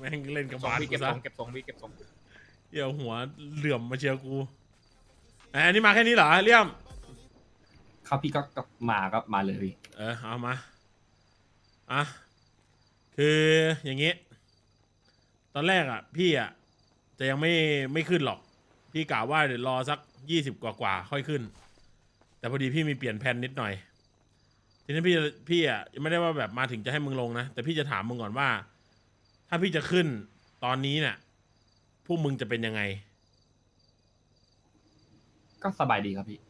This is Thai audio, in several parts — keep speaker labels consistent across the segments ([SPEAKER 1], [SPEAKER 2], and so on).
[SPEAKER 1] แม่งเล่นกับบาส
[SPEAKER 2] พี่
[SPEAKER 1] กู
[SPEAKER 2] เก็บ
[SPEAKER 1] ซะ
[SPEAKER 2] ทรงเก็บทรงพี่เก็บทรง
[SPEAKER 1] เดี๋ยวหัวเหลื่อมมาเชียร์กูอันนี้มาแค่นี้เหรอเลี่ยม
[SPEAKER 3] ครับพี่ก็มาเลยพี่
[SPEAKER 1] เอามาอ่ะคืออย่างงี้ตอนแรกอ่ะพี่อ่ะจะยังไม่ขึ้นหรอกพี่กะว่าเดี๋ยวรอสัก20กว่าค่อยขึ้นแต่พอดีพี่มีเปลี่ยนแผนนิดหน่อยทีนี้พี่อ่ะไม่ได้ว่าแบบมาถึงจะให้มึงลงนะแต่พี่จะถามมึงก่อนว่าถ้าพี่จะขึ้นตอนนี้เนี่ยพวกมึงจะเป็นยังไง
[SPEAKER 3] ก็สบายดีครับพี่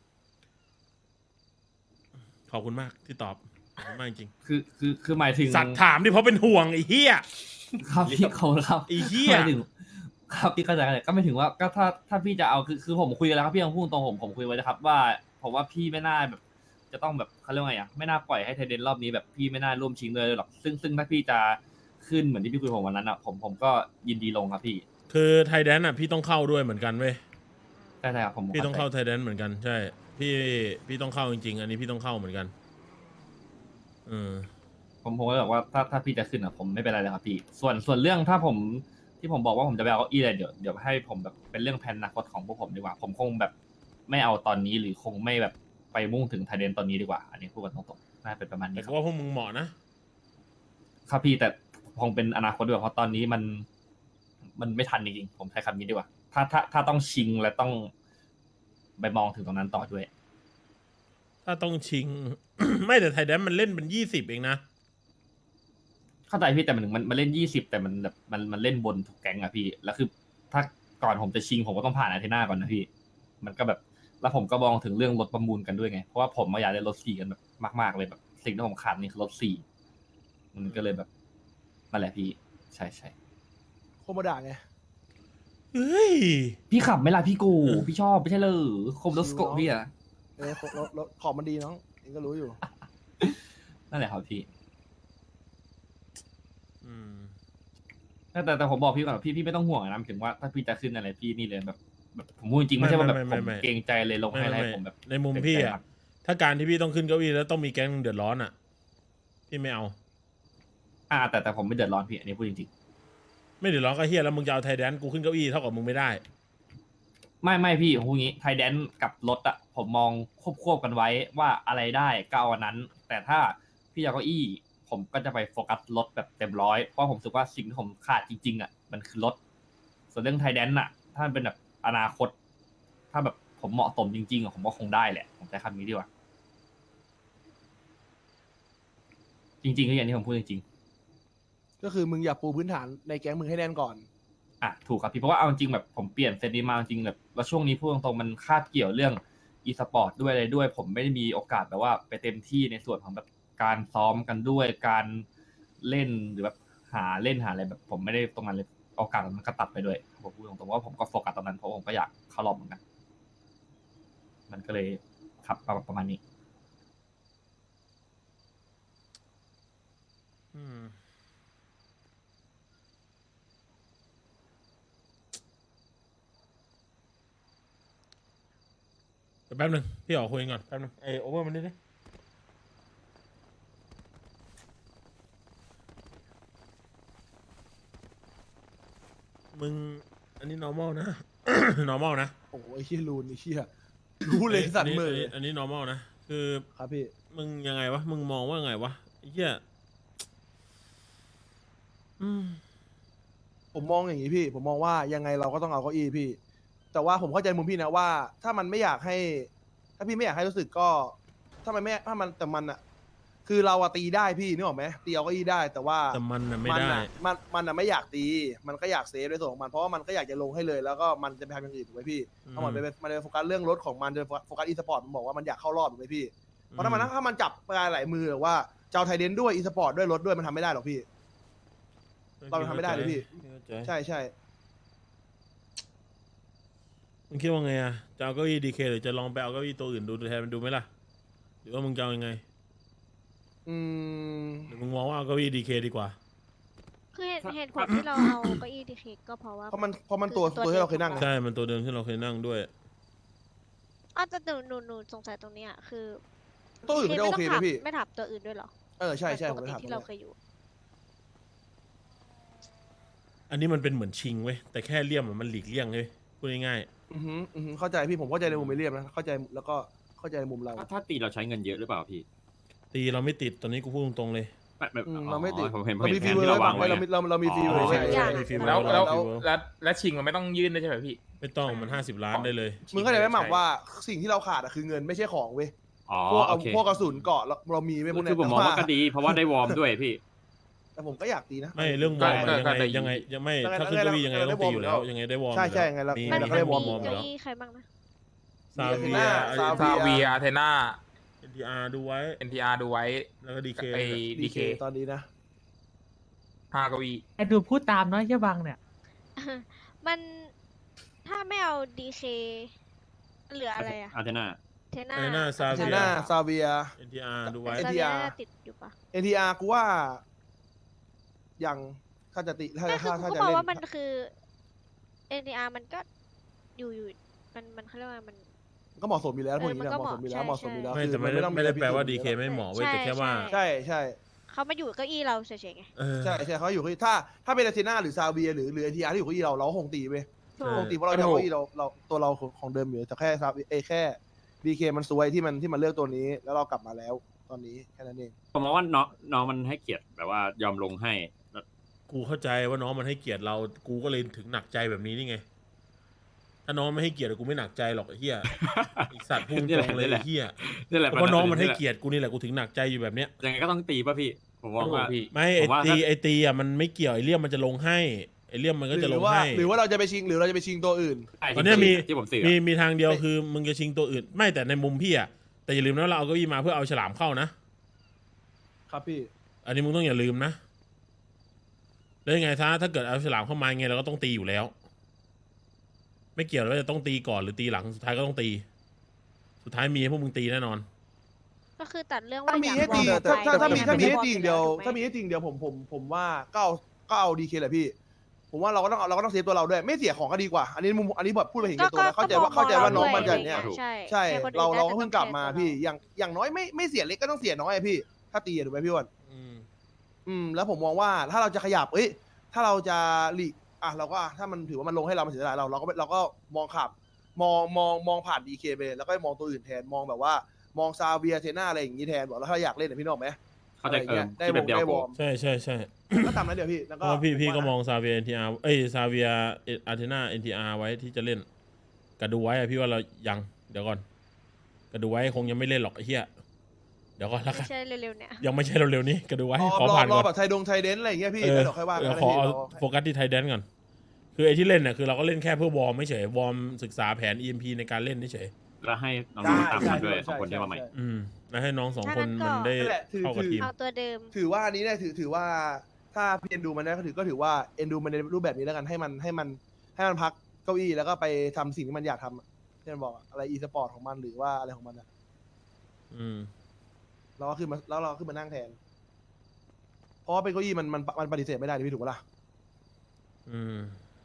[SPEAKER 1] ขอบคุณมากที่ตอบขอบคุณมากจริง
[SPEAKER 3] คือหมายถึง
[SPEAKER 1] สัตว์ถามดิเพราะเป็นห่วงไอ้เหี้ย
[SPEAKER 3] ครับพี่เขาครับ
[SPEAKER 1] ไอ้เหี้ย
[SPEAKER 3] หมายถึงครับพี่เข้าใจก็ไม่ถึงว่าก็ถ้าพี่จะเอาคือผมคุยกันแล้วครับพี่ต้องพูดตรงผมคุยไว้นะครับว่าผมว่าพี่ไม่น่าแบบจะต้องแบบเขาเรียกว่าไงไม่น่าปล่อยให้ไทเดนรอบนี้แบบพี่ไม่น่าร่วมชิงเลยหรอกซึ่งถ้าพี่จะขึ้นเหมือนที่พี่คุยผมวันนั้นอ่ะผมก็ยินดีลงครับพี่
[SPEAKER 1] คือไทยแดนอ่ะพี่ต้องเข้าด้วยเหมือนกันเว้ย
[SPEAKER 3] ใช่ครับผม
[SPEAKER 1] พี่ต้องเข้าไทยแดนเหมือนกันใช่พี่ต้องเข้าจริงๆอันนี้พี่ต้องเข้าเหมือนกัน
[SPEAKER 3] ผมก็บอกว่าถ้าพี่จะขึ้นอ่ะผมไม่เป็นไรเลยครับพี่ส่วนเรื่องถ้าผมที่ผมบอกว่าผมจะไปเอาเก้าอี้อะไรเดี๋ยวให้ผมแบบเป็นเรื่องแผนอนาคตของพวกผมดีกว่าผมคงแบบไม่เอาตอนนี้หรือคงไม่แบบไปมุ่งถึงไทเดนตอนนี้ดีกว่าอันนี้พูดกันตรงๆน่าเป็นประมาณนี้
[SPEAKER 1] แต่
[SPEAKER 3] ครับ
[SPEAKER 1] ก็ว่าพวกมึงเหมาะนะครับ
[SPEAKER 3] พี่แต่คงเป็นอนาคตด้วยเพราะตอนนี้มันไม่ทันจริงๆผมใช้คำนี้ดีกว่าถ้าต้องชิงและต้องไปมองถึงตรงนั้นต่อด้วย
[SPEAKER 1] ถ้าต้องชิง ไม่แต่ไทยแดนมันเล่นเป็น20เองนะ
[SPEAKER 3] เข้าใจพี่แต่มันเล่น20แต่มันแบบมันเล่นบนทุกแก๊งอะพี่แล้วคือถ้าก่อนผมจะชิงผมก็ต้องผ่านอาเทน่าก่อนนะพี่มันก็แบบแล้วผมก็มองถึงเรื่องรถประมูลกันด้วยไงเพราะว่าผมอยากได้รถ4กันแบบมากๆเลยแบบสิ่งที่ผมขาดนี่คือรถ4มันก็เลยแบบนั่นแหละพี่ใช่
[SPEAKER 4] โคโมดะไง
[SPEAKER 1] เฮ้ย
[SPEAKER 3] พี่ขับไหม่ล่ะพี่กูพี่ชอบไม่ใช่เลยโคมรถสโกะพี่อะ
[SPEAKER 4] รถของมันดีน้องเองก็รู้อยู่
[SPEAKER 3] นั่นแหละครับพี่
[SPEAKER 1] อืม
[SPEAKER 3] แต่ผมบอกพี่ก่อนพี่ไม่ต้องห่วงนะหมายถึงว่าถ้าพี่จะขึ้นอะไรพี่นี่เลยแบบผมพูดจริงไม่ใช่ว่าแบบผมเกรงใจเลยลงให้อะไรผมแบบ
[SPEAKER 1] ในมุมพี่อ่ะถ้าการที่พี่ต้องขึ้นเก้าอี้แล้วต้องมีแก๊งเดือดร้อนอ่ะพี่ไม่เอา
[SPEAKER 3] แต่ผมไม่เดือดร้อนพี่อันนี้พูดจริง
[SPEAKER 1] ไม่เดือดร้อนก็เฮียแล้วมึงจะเอาไทยแดนกูขึ้นเก้าอี้เท่ากับมึงไม่ได้
[SPEAKER 3] ๆไม่พี่ผมพูดงี้ไทยแดนกับรถอะผมมองควบกันไว้ว่าอะไรได้ก็เอาอันนั้น แต่ถ้าพี่จะเก้าอี้ผมก็จะไปโฟกัสรถแบบเต็มร้อยเพราะผมรู้สึกว่าสิ่งที่ผมขาดจริงๆอะมันคือรถส่วนเรื่องไทยแดนอะถ้ามันเป็นแบบอนาคต ถ้าแบบผมเหมาะสมจริงๆอะผมก็คงได้แหละผมใช้คำนี้ดีกว่าจริงๆก็อย่างที่ผมพูดจริงๆ
[SPEAKER 4] ก็คือมึงอย่าปูพื้นฐานในแก๊งมึงให้แน่นก่อน
[SPEAKER 3] ถูกครับพี่เพราะว่าเอาจริงแบบผมเปลี่ยนเซตนี้มาจริงแบบแล้วช่วงนี้พูดตรงๆมันคาบเกี่ยวเรื่องอีสปอร์ตด้วยอะไรด้วย ผมไม่ได้มีโอกาสแบบว่าไปเต็มที่ในส่วนของแบบการซ้อมกันด้วยการเล่นหรือแบบหาอะไรแบบผมไม่ได้ตรงนั้นเลยโอกาสมันก็ตัดไปด้วยผมพูดตรงๆว่าผมก็โฟกัสตรงนั้นเพราะผมก็อยากเข้ารอบเหมือนกันมันก็เลยครับประมาณนี้
[SPEAKER 1] อืมแป๊บนึงพี่ออกคุยก่อนแป๊บนึงโอเวอร์มันนิดนึงมึงอันนี้ normal นะ normal นะ
[SPEAKER 4] โอ้โหไอ้เชี่ยรูนไอ้เชี่ยรู้เลยสัตว์มือ
[SPEAKER 1] อันนี้ normal นะคือ
[SPEAKER 4] ครับพี่
[SPEAKER 1] มึงยังไงวะมึงมองว่าไงวะไอ้เหี้ย
[SPEAKER 4] ผมมองอย่างนี้พี่ ผมมองว่ายังไงเราก็ต้องเอาเก้าอี้พี่ แต่ว่าผมเข้าใจมุมพี่นะว่า ถ้ามันไม่อยากให้ ถ้าพี่ไม่อยากให้รู้สึกก็ ถ้ามันอะคือเราอะตีได้พี่นึกออกไหมตีเอาเก้าอี้ได้แต่ว่า
[SPEAKER 1] แต่มันน่ะไม่ได้
[SPEAKER 4] มันอะไม่อยากตี มันก็อยากเซฟในส่วนของมันเพราะว่ามันก็อยากจะลงให้เลย แล้วก็มันจะไปทำอย่างอื่นถูกไหมพี่ทั้งหมดมันไปโฟกัสเรื่องรถของมันจะโฟกัสอีสปอร์ตมันบอกว่ามันอยากเข้ารอบถูกไหมพี่เพราะถ้ามันจับปลายหลายมือหรือว่าเจ้าไทยเดนด้วยอีสปอร์ตด้วยรถด้วยมันทำไม่ได้หรอกพี่ เราทำไม่ได้เลยพี่ ใช่ใช่
[SPEAKER 1] มึงคิดว่าไงอะจะเอาเก้าอี้ดีเคหรือจะลองไปเอาเก้าอี้ตัวอื่นดูแทนมันดูไหมล่ะหรือว่ามึงจะเอายังไงหรือมึงมองว่าเอาเก้าอี้ดีเคดีกว่า
[SPEAKER 5] คือเหตุผลที่เราเอาเก้าอี้ดีเคก็เพราะว่า
[SPEAKER 4] เพราะมันตัวที่เราเคยนั่ง
[SPEAKER 1] ใช่มันตัวเดิมที่เราเคยนั่งด้วย
[SPEAKER 5] แต่หนูสงสัยตรงนี้คือ
[SPEAKER 4] ตัวอื่นไม่ได้โอเคเลยพี่
[SPEAKER 5] ไม่ถามตัวอื่นด้วยเหรอ
[SPEAKER 4] ใช่
[SPEAKER 5] ปก
[SPEAKER 4] ผม
[SPEAKER 5] ติ
[SPEAKER 4] ถาม
[SPEAKER 5] ที่เราเคยอยู่
[SPEAKER 1] อันนี้มันเป็นเหมือนชิงเว้ยแต่แค่เลี่ยมมันหลีกเลี่ยงเลยพูดง่าย
[SPEAKER 4] เข้าใจพี่ผมเข้าใจในมุมเอเลียมนะเข้าใจแล้วก็เข้าใจในมุมเรา
[SPEAKER 2] ถ้าตีเราใช้เงินเยอะหรือเปล่าพี่
[SPEAKER 1] ๆตีเราไม่ติดตอนนี้กูพูดตรงๆเลย
[SPEAKER 4] เราไม่ติด
[SPEAKER 2] ผมเห็น
[SPEAKER 4] เรามี
[SPEAKER 2] แผ
[SPEAKER 4] ฟี
[SPEAKER 2] น
[SPEAKER 4] เวอ
[SPEAKER 2] ที่
[SPEAKER 4] ร์
[SPEAKER 2] เรา
[SPEAKER 4] ไว้
[SPEAKER 2] วางไว้
[SPEAKER 4] เรามีฟีเวอร์
[SPEAKER 1] ใช่
[SPEAKER 4] ไว้
[SPEAKER 1] ใช่มีฟีเวอร์
[SPEAKER 6] แล้วชิงมันไม่ต้องยื่นด้วยใช่ไหมพี่
[SPEAKER 1] ไม่ต้องมัน50 ล้านได้เลย
[SPEAKER 4] มึงเข้าใจไหมหม่ำว่าสิ่งที่เราขาดอะคือเงินไม่ใช่ของเว้ย
[SPEAKER 2] อ๋อ
[SPEAKER 4] พวก
[SPEAKER 2] โอเค
[SPEAKER 4] พวกกระสุนเกาะเรามีไม่พวก
[SPEAKER 2] คื
[SPEAKER 4] เนี้
[SPEAKER 2] อผมมองว่าก็ดี เพราะว่าได้วอร์มด้วยพี่
[SPEAKER 4] แต่ผมก็อยากตีนะ
[SPEAKER 1] ไม่เรื่องวอร์ม
[SPEAKER 6] ก็
[SPEAKER 1] อะ
[SPEAKER 6] ก็ได้
[SPEAKER 1] ยังไงยังไม่
[SPEAKER 4] ยังไง
[SPEAKER 1] ถ้าขึ้นเก้าอี้ยังไง
[SPEAKER 4] ยังไง
[SPEAKER 1] ต้องตีอยู่แล้ว
[SPEAKER 4] ได้วอร์ม
[SPEAKER 1] ยังไงได้วอร์ม
[SPEAKER 4] ใช่
[SPEAKER 1] อยู่
[SPEAKER 4] ใช่
[SPEAKER 1] แล้ว
[SPEAKER 4] ไงเรา
[SPEAKER 1] มี
[SPEAKER 5] มัน
[SPEAKER 4] ก็ได้วอร์ม
[SPEAKER 5] มี
[SPEAKER 1] อยู่
[SPEAKER 5] เก้า
[SPEAKER 1] แล้ว
[SPEAKER 5] อี้ใครบ้างนะ
[SPEAKER 1] ซาเวีย
[SPEAKER 4] ซา
[SPEAKER 6] ซาเวียอาเทนา
[SPEAKER 1] NTR ดูไว้
[SPEAKER 6] NTR ดูไว้
[SPEAKER 1] แล้วก็ DK
[SPEAKER 6] ไอ้
[SPEAKER 4] ดี
[SPEAKER 6] DK
[SPEAKER 4] ตอนนี้นะ
[SPEAKER 6] 5 เก้าอี้
[SPEAKER 7] ไอ้ดูพูดตามเนาะเหี้ยบังเนี่ย
[SPEAKER 5] มันถ้าไม่เอาดีเคเหลืออะไรอะ
[SPEAKER 2] อาร์เทน่า
[SPEAKER 5] เทน่า
[SPEAKER 1] ไอ้หน้าซา
[SPEAKER 4] เท
[SPEAKER 1] เวีย
[SPEAKER 4] น่าซาเวีย
[SPEAKER 1] NTR ดูไว้
[SPEAKER 5] ซาเวียน่าจะติดอยู่ปะ
[SPEAKER 4] NTR กูว่ายังถ้าจะติถ้า
[SPEAKER 5] ก็คือ
[SPEAKER 4] ถ้า
[SPEAKER 5] กู
[SPEAKER 4] จะ
[SPEAKER 5] ก็บอก
[SPEAKER 4] เล่น
[SPEAKER 5] ว่ามันคือ NTR มันก็อยู่มันเขาเรียกว่ามัน
[SPEAKER 4] ก็เหมาะสมอยู่แล้วพวกนี้
[SPEAKER 5] มัน
[SPEAKER 4] นะ
[SPEAKER 5] ก็
[SPEAKER 4] เหมาะสมอยู่แล้ว
[SPEAKER 5] เห
[SPEAKER 4] เห
[SPEAKER 5] มาะ
[SPEAKER 4] มาะสมอยู่แล้ว
[SPEAKER 1] ไม่
[SPEAKER 4] คือ
[SPEAKER 1] แต่ไม่ได้
[SPEAKER 4] ต้อง
[SPEAKER 1] ไม่ได้
[SPEAKER 4] อะร
[SPEAKER 1] แปลว่า
[SPEAKER 4] พิ
[SPEAKER 1] DK
[SPEAKER 4] เศษ
[SPEAKER 1] ไม่เหมาะเว้ย
[SPEAKER 5] ใช่
[SPEAKER 1] แต่แค่ว่า
[SPEAKER 5] ใช่
[SPEAKER 4] ใช่
[SPEAKER 5] เขามาอยู่เก้าอี้เราเฉยๆไง
[SPEAKER 1] เออ
[SPEAKER 4] ใช่ใช่เขาอยู่ที่ถ้าเป็นอาร์เทน่าหรือซาเวียหรือNTR ที่อยู่เก้าอี้เราคงตีไป
[SPEAKER 5] ถู
[SPEAKER 1] ใช่
[SPEAKER 5] ก
[SPEAKER 4] คงตีเพราะเราจะเอาเก้าอี้เราตัวเราของเดิมอยู่แต่แค่ซาแค่ DK มันซวยที่มันเลือกตัวนี้ แล้วเรากลับมาแล้วตอนนี้แค่นั้นเอง
[SPEAKER 2] ผมมองว่าน้องมันให้เกียรติแบบว่ายอมลงให้
[SPEAKER 1] กูเข้าใจว่าน้องมันให้เกียรติเรา กูก็เลยถึงหนักใจแบบนี้นี่ไง ถ้าน้องไม่ให้เกียรติกูไม่หนักใจหรอกไอ้เหี้ยอีกสัตว์พุ่งตรงเลยไอ้เหี้ย
[SPEAKER 2] นี่แหละ
[SPEAKER 1] เพราะน้องมันให้เกียรติกูนี่แหละกูถึงหนักใจอยู่แบบเนี้ย
[SPEAKER 2] ยังไงก็ต้องตีป่ะพี่ ผมมองว่า
[SPEAKER 6] พี่
[SPEAKER 1] ไม่
[SPEAKER 2] ผมว่า
[SPEAKER 1] ไอตีอ่ะมันไม่เกี่ยวไอเลี่ยมมันจะลงให้ไอเลี่ยมมันก็จะลงให้
[SPEAKER 4] หรือว่าเราจะไปชิงตัวอื่น
[SPEAKER 1] ตอนเนี้ยมี
[SPEAKER 2] ที่ผมสื่อ
[SPEAKER 1] มีทางเดียวคือมึงจะชิงตัวอื่น ไม่แต่ในมุมพี่อ่ะแต่อย่าลืมนะเราเอาเก้าอี้มาเพื่อเอาฉลามเข้านะครับ
[SPEAKER 4] พี่
[SPEAKER 1] อันนี้มึงต้องอย่าลืมนะแล้วยังไงถ้าเกิดเอาฉลามเข้ามาไงเราก็ต้องตีอยู่แล้ว ไม่เกี่ยวว่าจะต้องตีก่อนหรือตีหลังสุดท้ายก็ต้องตี สุดท้ายมีให้พวกมึงตีแน่นอน
[SPEAKER 5] ก็คือตัดเรื่องว่า
[SPEAKER 4] ถ้ามี
[SPEAKER 5] อยาก
[SPEAKER 4] ให้ตี
[SPEAKER 5] วอร์ม
[SPEAKER 4] ถ้า
[SPEAKER 5] ไป
[SPEAKER 4] มีให้
[SPEAKER 5] วอร์
[SPEAKER 4] ตี
[SPEAKER 5] อ
[SPEAKER 4] อย่างเดียว
[SPEAKER 5] ถูกไห
[SPEAKER 4] ถ้ามีให้ตีอย่างเดียวผมว่าก็เอาดีเคแหละพี่ ผมว่าเราก็ต้องเซฟตัวเราด้วยไม่เสียของก็ดีกว่า อันนี้แบบพูดไปเห็นแก่ตัวนะเข้าใจว่าน้องมันจะเนี่ย
[SPEAKER 5] ใช่
[SPEAKER 4] ใช่
[SPEAKER 5] ให้คนอื่น
[SPEAKER 4] เรา
[SPEAKER 5] ได้
[SPEAKER 4] ก็เพิ่งกลับมาพี่อย่างน้อยไม่เสียเล็กก็ต้องเสียน้อยอะพี่ ถ้าตีอะถูกไหมพี่อ้วน แล้วผมมองว่าถ้าเราจะขยับถ้าเราจะหลีกเราก็ถ้ามันถือว่ามันลงให้เรามันเสียดายเราก็มองขับมองผ่านดีเคไปแล้วก็มองตัวอื่นแทนมองแบบว่ามองซาเวียเทน่าอะไรอย่างนี้แทนบอกแล้วถ้าอยากเล่นพี่นึกออกไหม
[SPEAKER 2] เข้าใจ
[SPEAKER 4] อะไรอย่าง
[SPEAKER 2] ได้
[SPEAKER 4] เงี้ย
[SPEAKER 2] แบบเดียว
[SPEAKER 4] ได้ว
[SPEAKER 2] ผ
[SPEAKER 4] อ
[SPEAKER 2] ม
[SPEAKER 4] ร์ม
[SPEAKER 1] ใช่ใช่ใช่
[SPEAKER 4] ก็ตามนั้นเดี๋ยวพี่แล้ว
[SPEAKER 1] เพ
[SPEAKER 4] ก็
[SPEAKER 1] ราะพี่ก็มองซาเวีย NTR ซาเวียอาร์เทนาNTR ไว้ที่จะเล่นกระดูไว้อะพี่ว่าเรายังเดี๋ยวก่อนกระดูไว้คงยังไม่เล่นหรอกไอ้เหี้ยเดี๋ยวก่อนละกั
[SPEAKER 5] ไม่
[SPEAKER 1] น
[SPEAKER 5] ใช่เร็วๆเนี่ย
[SPEAKER 1] ยังไม่ใช่เร็วๆนี้กระดูไว้ขอ
[SPEAKER 4] ร
[SPEAKER 1] ผ่าน
[SPEAKER 4] อ
[SPEAKER 1] ก่อน
[SPEAKER 4] แบบไทยเดนอะไรอย่างเงี้ยพี่
[SPEAKER 1] เออ
[SPEAKER 4] แล้วเดี๋ยวค่อยว่ากัน
[SPEAKER 1] เดี๋ยว
[SPEAKER 4] นะ
[SPEAKER 1] ขอ
[SPEAKER 4] พี่
[SPEAKER 1] เอาโฟกัสที่ไทยแดนก่อนคือไอ้ที่เล่นเนี่ยคือเราก็เล่นแค่เพื่อวอร์มไม่เฉยวอร์มศึกษาแผน EMP ในการเล่นเฉย
[SPEAKER 2] แล้วให้น้องๆตามมาด้วยสองคนที่มาใหม่
[SPEAKER 1] แล้วให้น้องสองคนมันได้
[SPEAKER 4] นั่นแหละ
[SPEAKER 1] เข้ากับทีม
[SPEAKER 5] เอาตัวเดิม
[SPEAKER 4] ถือว่าอันนี้เนี่ยถือว่าถ้าพี่เอ็นดูมันได้ก็ถือว่าเอ็นดูมันในรูปแบบนี้แล้วกันให้มันพักเก้าอี้แล้วก็ไปทำสิ่งที่มันอยากทำที่มันบอกอะไรอีสปอร์ตของมันหรือว่าอะไรของมันอะ
[SPEAKER 1] อืม
[SPEAKER 4] เราก็ขึ้นมานั่งแทน เพราะว่าเป็นเก้าอี้มันปฏิเสธไม่ได้ดิพี่ถูกปะล่ะ
[SPEAKER 1] อืม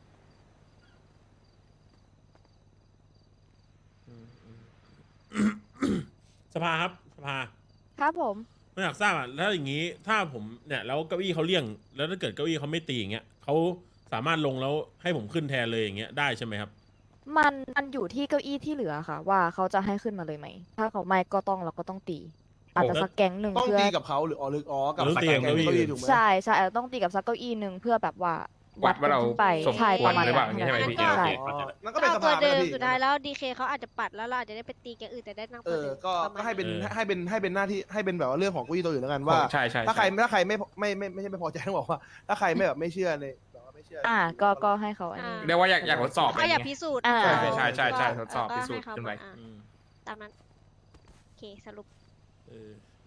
[SPEAKER 1] สภาครับสภา
[SPEAKER 8] ครับผม
[SPEAKER 1] ไม่อยากทราบอ่ะแล้วอย่างนี้ถ้าผมเนี่ยแล้วเก้าอี้เขาเลี่ยง แล้วถ้าเกิดเก้าอี้เขาไม่ตีอย่างเงี้ยเขาสามารถลงแล้วให้ผมขึ้นแทนเลยอย่างเงี้ยได้ใช่ไหมครับ
[SPEAKER 8] มันอยู่ที่เก้าอี้ที่เหลือค่ะ ว่าเขาจะให้ขึ้นมาเลยไหม ถ้าเขาไม่ก็ต้องเราก็ต้องตี อาจจะสักแก๊งหนึ่ง
[SPEAKER 4] ต้อง
[SPEAKER 8] เพื่อ
[SPEAKER 4] ตีกับเขาหรือกับ
[SPEAKER 1] หรือ
[SPEAKER 4] สัก
[SPEAKER 1] ตี
[SPEAKER 4] แก
[SPEAKER 1] กับ
[SPEAKER 4] ง
[SPEAKER 1] เก้าอี้
[SPEAKER 4] เก้าอี้ถูกไหม
[SPEAKER 8] ใช่ใช่อาจจะต้องตีกับสักเก้าอี้หนึ่งเพื่อแบบว่า
[SPEAKER 6] วัดว่าเรา
[SPEAKER 8] ขึ้นไป
[SPEAKER 6] สม
[SPEAKER 8] ใช่
[SPEAKER 6] ควร
[SPEAKER 8] ประมาณ
[SPEAKER 6] หรือเปล่า
[SPEAKER 8] นั้น
[SPEAKER 6] ใช่ไหมพี่
[SPEAKER 8] ใช่
[SPEAKER 4] อ๋อนั่นก็
[SPEAKER 5] ก็
[SPEAKER 4] เป็น
[SPEAKER 5] เอา
[SPEAKER 4] ส
[SPEAKER 5] ตัว
[SPEAKER 4] ภาไป
[SPEAKER 5] เดิ
[SPEAKER 4] แล้ว
[SPEAKER 5] ม
[SPEAKER 4] พี่
[SPEAKER 5] สุดท้ายแล้วดีเคเขาอาจจะปัดแล้วเราอาจจะได้ไปตีกันอื่นแต่ได้นั่งตัวเดิม
[SPEAKER 4] ก็
[SPEAKER 5] ประมาณ
[SPEAKER 4] ให้เป็น
[SPEAKER 5] นั้น
[SPEAKER 4] ให้เป็นหน้าที่ให้เป็นแบบว่าเรื่องของเก้าอี้ตัวอื่นแล้วกันว่า
[SPEAKER 6] ใช่ใช่
[SPEAKER 4] ถ้าใครไม่ใช่ไม่พอใจต้องบอกว่า ถ้าใครไม่แบบไม่เชื่อในแบบว่าไม่เชื่อ
[SPEAKER 8] ก็ให้เขาอันนี้
[SPEAKER 6] เรียกว่าอยากทดสอบ
[SPEAKER 5] เขาอยาก
[SPEAKER 6] อะไร
[SPEAKER 5] พิ
[SPEAKER 6] เงี้ย
[SPEAKER 5] สูจน์
[SPEAKER 8] อ่า
[SPEAKER 6] ใช่ใช่ใช่
[SPEAKER 5] ก็
[SPEAKER 6] ทดสอบ
[SPEAKER 5] ก็
[SPEAKER 6] พิสูจน์
[SPEAKER 5] ให้เขา
[SPEAKER 6] ขึ้นไป
[SPEAKER 5] มา
[SPEAKER 1] อืม
[SPEAKER 5] ตามนั้นโอเคสรุป
[SPEAKER 1] เออ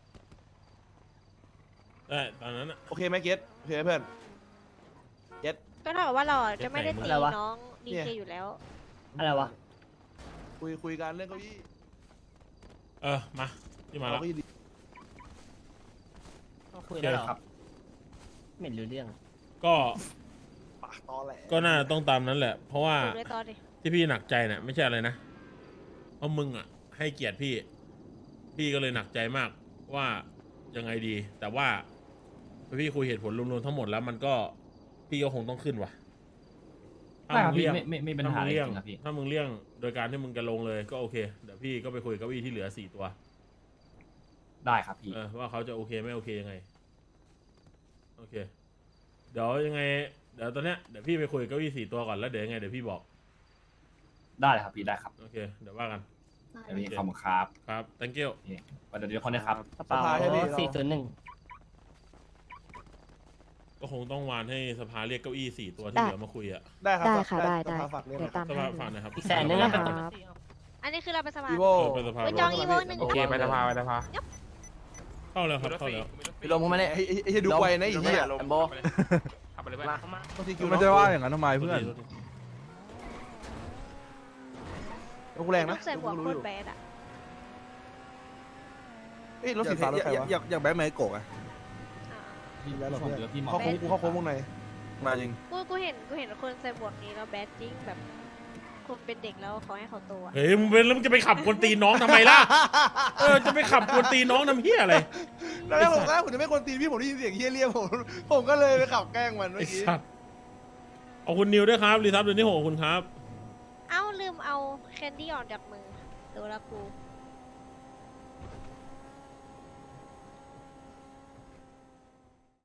[SPEAKER 1] ได้ตอนนั้นอ่ะ
[SPEAKER 4] โอเคไหมเกตโอเคไหมเพื่อน
[SPEAKER 5] ก็เท่ากับว่าเราจะไม่ได้ตี
[SPEAKER 7] อะไรวะ
[SPEAKER 5] น้องดี
[SPEAKER 4] เนี่
[SPEAKER 5] เค
[SPEAKER 4] ย
[SPEAKER 5] อยู่แล้ว
[SPEAKER 7] อะไรวะ
[SPEAKER 4] คุยกันเรื่องเก้าอี้
[SPEAKER 1] มาที่มา
[SPEAKER 4] เอา
[SPEAKER 1] แล้ว
[SPEAKER 4] เก้าอี้ดี
[SPEAKER 7] คุยได้หรอครับไม่รู้เรื่อง
[SPEAKER 1] ก็
[SPEAKER 4] ปากตอแหล
[SPEAKER 1] ก็น่าต้องตามนั้นแหละ เพราะว่า
[SPEAKER 5] ดูด้วยตอนดิ
[SPEAKER 1] ที่พี่หนักใจเนี่ยไม่ใช่อะไรนะเพราะมึงอ่ะ ให้เกียรติพี่ก็เลยหนักใจมากว่ายังไงดี แต่ว่าพอพี่คุยเหตุผลรวมๆทั้งหมดแล้วมันก็พี่ก็คงต้องขึ้นว่ะ
[SPEAKER 3] ได้ครับ
[SPEAKER 1] ถ้ามึง
[SPEAKER 3] พี่
[SPEAKER 1] เลี่ยง
[SPEAKER 3] ไม่เป็นปัญหาอะไรจริงครับพี่
[SPEAKER 1] ถ้ามึงเลี่ยงโดยการที่มึงจะลงเลยก็โอเคเดี๋ยวพี่ก็ไปคุยกับเก้าอี้ที่เหลือ4 ตัว
[SPEAKER 3] ได้ครับพี่
[SPEAKER 1] ว่าเขาจะโอเคไม่โอเคยังไงโอเคเดี๋ยวยังไงเดี๋ยวตอนเนี้ยเดี๋ยวพี่ไปคุยกับเก้าอี้4 ตัวก่อนแล้วเดี๋ยวยังไงเดี๋ยวพี่บอก
[SPEAKER 3] ได้เลยครับพี่ได้ครับ
[SPEAKER 1] โอเคเดี๋ยวว่ากัน
[SPEAKER 3] เดี๋ยวพี่ขอบคุณครับ
[SPEAKER 1] ครับ thank you
[SPEAKER 3] เดี๋ยวคนนะครับ
[SPEAKER 7] กระเป๋า
[SPEAKER 4] สภาให้พี่
[SPEAKER 7] 401
[SPEAKER 1] ก็คงต้องวานให้สภาเรียกเก้าอี้4 ตัวที่
[SPEAKER 8] ได้
[SPEAKER 1] เหลือมาคุยอ่ะ
[SPEAKER 4] ได้ครับ
[SPEAKER 8] ได้ค่ะได้
[SPEAKER 4] ส
[SPEAKER 8] ได้
[SPEAKER 4] ภาฝากเรียก
[SPEAKER 8] เดี๋ยวตาม
[SPEAKER 1] ส
[SPEAKER 8] ให้
[SPEAKER 1] ภา
[SPEAKER 8] เลย
[SPEAKER 1] ฝากหนะครับ
[SPEAKER 7] อีก100,000นึงนะครับ
[SPEAKER 5] อันนี้คือเราไปสมัคร
[SPEAKER 4] อีโว
[SPEAKER 1] ไปสภา
[SPEAKER 5] ไปจองอีโวหนึ่ง
[SPEAKER 6] โอเคไปสภาไปสภา
[SPEAKER 1] เข้าแล้วครับเข้าแล้ว
[SPEAKER 4] พี่ลมมาเนี่ยไอ้ดูไวนะไอ้เหี้ย
[SPEAKER 6] แอมโบขับไปเลยเพื่อน
[SPEAKER 4] ต้องทีคิว
[SPEAKER 9] มันจะว่าอย่างนั้นทำไมเพื่อน
[SPEAKER 4] รถกูแรงนะ
[SPEAKER 5] ลูกใส่หมวกโคตรแบดอ่ะ
[SPEAKER 4] เอ้ยรถสีฟ้ารถใครวะ
[SPEAKER 9] อยากแบทแมนโกะไง
[SPEAKER 5] อ่า
[SPEAKER 3] พี่ชมเดี๋ยวพี่มอง
[SPEAKER 4] เข้าโค้งกูเข้าโค้งวงใน
[SPEAKER 9] มาจริง
[SPEAKER 5] กูเห็นคนใส่หมวกนี้แล้วแบดจริงแบบคนเป็นเด็กแล้วเขาให้เขาโตอะ
[SPEAKER 1] เฮ้ยมึงเป็นแล้วมึงจะไปขับกวนตีนน้องทำไมล่ะจะไปขับกวนตีนน้องทำเฮียอะไร
[SPEAKER 4] แล้วผมจะไม่คนตีนพี่ผมได้ยินเสียงเฮี้ยเรียกผมก็เลยไปขับแกล้งมันเมื่
[SPEAKER 1] ไอ้
[SPEAKER 4] อกี้
[SPEAKER 1] สัตว์เอาคุณนิวด้วยครับรีทับเดือนที่6คุณครับ
[SPEAKER 5] เอ้าลืมเอาแคนดี้ออกจากมือตัวละกู